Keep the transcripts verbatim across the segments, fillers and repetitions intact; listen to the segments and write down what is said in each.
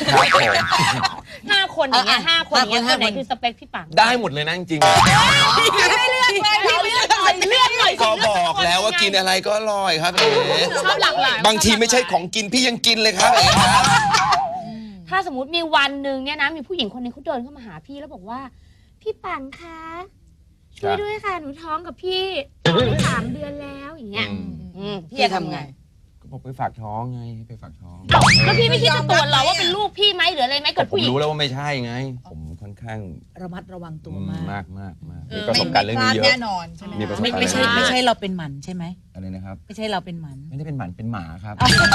ครับผมห้าคนอย่างเงี้ยห้าคนอย่างเงี้ยคนไหนคือสเปคพี่ปังได้หมดเลยนะจริงๆไม่เลือกเลยพี่เลือกหน่อยเลือกหน่อยก็บอกแล้วว่ากินอะไรก็อร่อยครับเอ๋ชอบหลากหลายบางทีไม่ใช่ของกินพี่ยังกินเลยครับเอ๋ครับถ้าสมมติมีวันหนึ่งเนี่ยนะมีผู้หญิงคนนึงเขาเดินเข้ามาหาพี่แล้วบอกว่าพี่ปังคะช่วยด้วยค่ะหนูท้องกับพี่สามเดือนแล้วอย่างเงี้ยพี่จะทำไงก็บอกไปฝากท้องไงไปฝากท้องแล้วพี่ไม่คิดจะตรวจหรอว่าเป็นลูกพี่ไหมหรืออะไรไหมเกิดผผู้มหญิงรู้แล้วว่าไม่ใช่ไงผมค่อนข้างระมัดระวังตัวมามากมากมากมากมีประสบการณ์เรื่องนี้เยอะแน่นอนใช่ไหมมีประสบไม่การณ์ไม่ใช่เรื่องนี้ไม่เยใช่อะเราเป็นหมันใช่ไหมอะไรนะครับไม่ใช่เราเป็นหมันไม่ได้เป็นหมันเป็นหมาครับ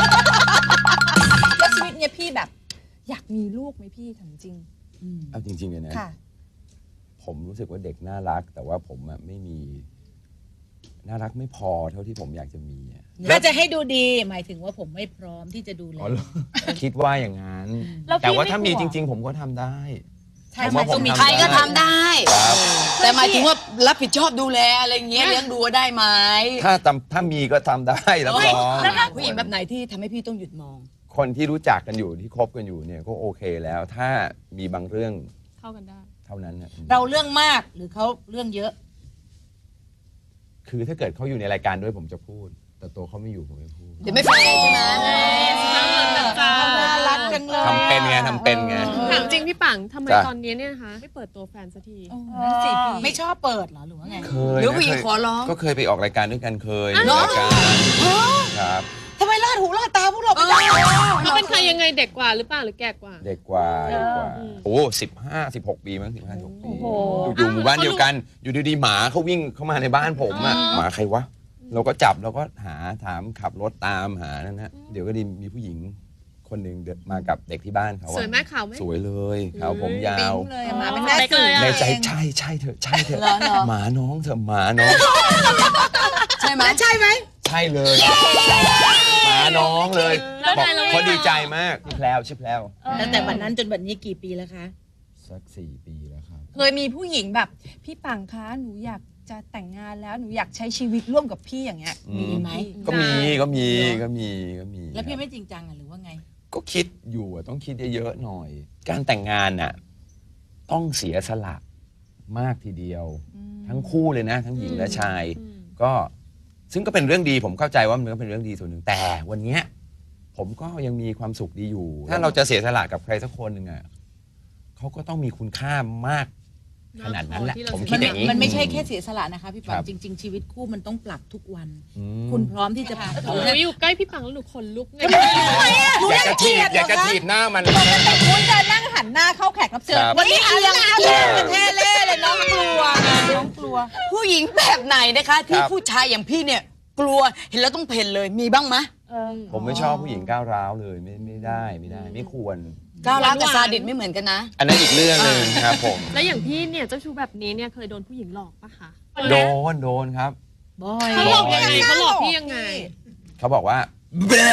แล้วชีวิตเนี่ยพี่แบบอยากมีลูกไหมพี่ถามจริงเอาจริงๆเลยนะค่ะผมรู้สึกว่าเด็กน่ารัก แต่ว่าผมอะไม่มีน่ารักไม่พอเท่าที่ผมอยากจะมีอะถ้าจะให้ดูดีหมายถึงว่าผมไม่พร้อมที่จะดูแลอ๋อเหรอคิดว่าอย่างนั้นแล้วพี่แต่ว่าถ้ามีไม่กลัวจริง ๆ ผมก็ทำได้ใช่ผมว่าผมต้องมีทำใครก็ทำได้ครับแต่หมายถึงว่ารับผิดชอบดูแลอะไรเงี้ยเลี้ยงดูได้ไหมถ้าทำถ้ามีก็ทำได้รับรองผู้หญิงแบบไหนที่ทำให้พี่ต้องหยุดมองคนที่รู้จักกันอยู่ที่คบกันอยู่เนี่ยก็โอเคแล้ว ถ้ามีบางเรื่องเข้ากันได้เท่านั้นนะเราเรื่องมากหรือเขาเรื่องเยอะคือถ้าเกิดเขาอยู่ในรายการด้วยผมจะพูด แต่ตัวเขาไม่อยู่ผมไม่พูดเดี๋ยวไม่แฟร์ใช่ไหมน่ารักจังเลยทำเป็นไงทำเป็นไงถามจริงพี่ปังทำไมจ้ะตอนนี้เนี่ยนะคะไม่เปิดตัวแฟนสักทีนั่นสิพี่ไม่ชอบเปิดเหรอหรือว่าไงเคยหรือนะผู้หญิงเคยขอร้องก็เคยไปออกรายการด้วยกันเคยเหรอรายการครับทำไมลาดหูลาดตาพวกเราไม่ได้เขาเป็นใครยังไงเด็กกว่าหรือเปล่าหรือแก่กว่าเด็กกว่าเด็กกว่าโอ้สิบห้าสิบหกปีมั้งสิบห้าสิบหกปีโอ้โหอยู่หมู่บ้านเดียวกัน อยู่ดีๆหมาเขาวิ่งเข้ามาในบ้านผมอะหมาใครวะเราก็จับเราก็หาถามขับรถตามหานั่นนะเดี๋ยวก็ดีมีผู้หญิงคนหนึ่งเดินมากับเด็กที่บ้านเขาอะสวยไหมขาวไหมสวยเลยขาวผมยาวเลยหมาเป็นแม่สื่อในใจใช่ใช่เถอะใช่เถอะเหรอเหรอหมาน้องเถอะหมาน้องใช่ไหมใช่ไหมใช่เลยหมาน้องเลยแล้วบอกไงแล้วไงเขาดีใจมากชื่อแพลวชื่อแพลวตั้งแต่วันนั้นจนวันนี้กี่ปีแล้วคะสักสี่ปีแล้วครับเคยมีผู้หญิงแบบพี่ปังคะหนูอยากจะแต่งงานแล้วหนูอยากใช้ชีวิตร่วมกับพี่อย่างเงี้ยอืมมีไหมก็มีก็มีก็มีก็มีแล้วพี่ไม่จริงจังอ่ะหรือว่าไงก็คิดอยู่อะต้องคิดเยอะๆหน่อย การแต่งงานน่ะต้องเสียสละมากทีเดียว ทั้งคู่เลยนะ ทั้งหญิงและชาย ก็ซึ่งก็เป็นเรื่องดีผมเข้าใจว่ามันก็เป็นเรื่องดีส่วนหนึ่งแต่วันเนี้ยผมก็ยังมีความสุขดีอยู่ ถ้าเราจะเสียสละกับใครสักคนหนึ่งอ่ะเขาก็ต้องมีคุณค่ามากขนาดนั้นแหละที่เราผมเสียคิดอย่างนี้มันไม่ใช่แค่เสียสละนะคะพี่ปัคงรับจริง ๆ ชีวิตคู่มันต้องปรับทุกวันอืมคุณพร้อมที่จะปรับหนูอยู่ใกล้พี่ปังแล้วหนูขนลุกไงอยากจะถีบอยากจะถีบหน้ามันคุณจะนั่งหันหน้าเข้าแขกรับเชิญครับวันนี้เอียงเอียงกันแท้เล่เลยน้องกลัวน้องกลัวผู้หญิงแบบไหนนะคะที่ครับผู้ชายอย่างพี่เนี่ยกลัวเห็นแล้วต้องเพ่นเลยมีบ้างไหมเออผมไม่ชอบผู้หญิงก้าวร้าวเลยไม่ไม่ได้ไม่ได้ ไม่ควรก้าวร้าวกับซาดิสไม่เหมือนกันนะอันนั้นอีกเรื่องหนึ่งครับผมแล้วอย่างพี่เนี่ยเจ้าชู้แบบนี้เนี่ยเคยโดนผู้หญิงหลอกปะคะโดนโดนครับบอยเขาหลอกยังไงเขาหลอกพี่ยังไงเขาบอกว่าแบ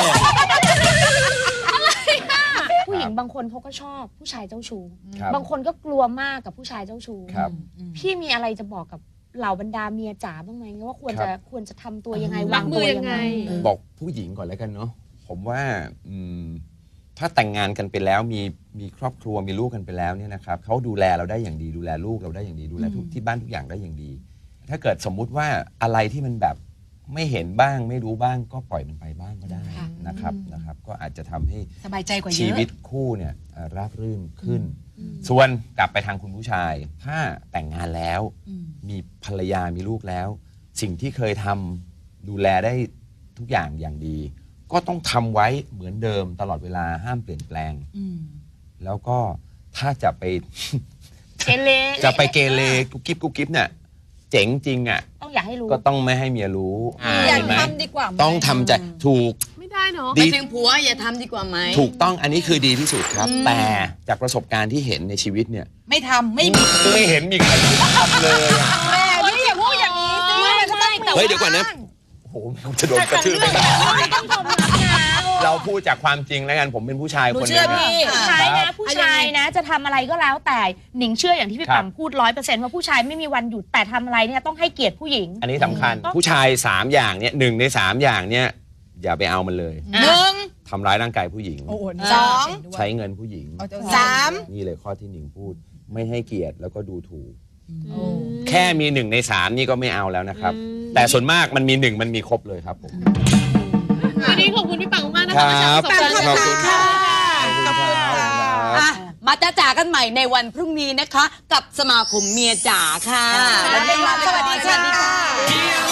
ผู้หญิงบางคนเขาก็ชอบผู้ชายเจ้าชู้ครับบางคนก็กลัวมากกับผู้ชายเจ้าชู้ครับพี่มีอะไรจะบอกกับเหล่าบรรดาเมียจ๋าบ้างไหมว่าควรครัจะบควรจะทำตัวยังไงรัวาบงมืตัวอยัยัง งไงไงบอกผู้หญิงก่อนแล้วกันเนาะผมว่าอืมถ้าแต่งงานกันไปแล้วมีมีครอบครัวมีลูกกันไปแล้วเนี่ยนะครับเขาดูแลเราได้อย่างดีดูแลลูกเราได้อย่างดีดูแลทุกที่บ้านทุกอย่างได้อย่างดี ถ้าเกิดสมมุติว่าอะไรที่มันแบบไม่เห็นบ้างไม่รู้บ้างก็ปล่อยมันไปบ้างก็ได้นะครับนะครับ ก็อาจจะทำให้สบายใจกว่าเยชีอะวิตคู่เนี่ยเอ่อราบรื่นขึ้น ส่วนกลับไปทางคุณผู้ชาย ถ้าแต่งงานแล้วอืมมีภรรยามีลูกแล้ว สิ่งที่เคยทำดูแลได้ทุกอย่างอย่างดี ก็ต้องทำไว้เหมือนเดิมตลอดเวลาห้ามเปลี่ยนแปลงอืมแล้วก็ถ้าจะไปเกเรจะไปเกเรกุ๊กกิ๊บกุ๊กกิ๊บเนี่ยเจ๋งจริงอ่ะต้องอย่าให้รู้ก็ต้องไม่ให้เมียรู้อยากเห็นไหมทำดีกว่าไหมต้องทำใจถูกไม่ได้เนาะไปดีถึงผัวอย่าทำดีกว่าไหมถูกต้องอันนี้คือดีที่สุดครับ แต่จากประสบการณ์ที่เห็นในชีวิตเนี่ยไม่ทำไม่มีไม่เห็นมีใครทำเลยอะแม่พี่อย่าพูดอย่างนี้สิไม่มันจะต้องแต่เฮ้ยเดี๋ยวก่อนนะโอ้โหจะโดนกระทืบไปเราพูดจากความจริงแล้วกันผมเป็นผู้ชายหนูคนหนึเชื่อง พี่ผู้ชายนะผู้ชายนะจะทำอะไรก็แล้วแต่หนิงเชื่ออย่างที่พี่ครับปังพูดร้อยเปอร์เซ็นต์ว่าผู้ชายไม่มีวันหยุดแต่ทำอะไรเนี่ยต้องให้เกียรติผู้หญิงอันนี้สำคัญผู้ชายสามอย่างเนี่ยหนึ่งในสามอย่างเนี่ยอย่าไปเอามันเลยหนึ่งทำร้ายร่างกายผู้หญิงโอ้โหสองใช้เงินผู้หญิงเอาเจ้สามนี่เลยข้อที่หนิงพูด ไม่ให้เกียรติแล้วก็ดูถูกอืมแค่มีหนึ่งในสามนี่ก็ไม่เอาแล้วนะครับอืมแต่ส่วนมากมันมีหนึ่งมันมีครบเลยครับผมวันนี้ขอบคุณพี่ปังมากนะคคะรับมาแชร์ประสบการณ์ขอบคุณค่ะขอบคุณครับอ่ะมาจ้าจ๋ากันใหม่ในวันพรุ่งนี้นะคะ กับสมาคมเมียจ๋าค่ะวันนี้ลาไปก่อนสวัสดีค่ะ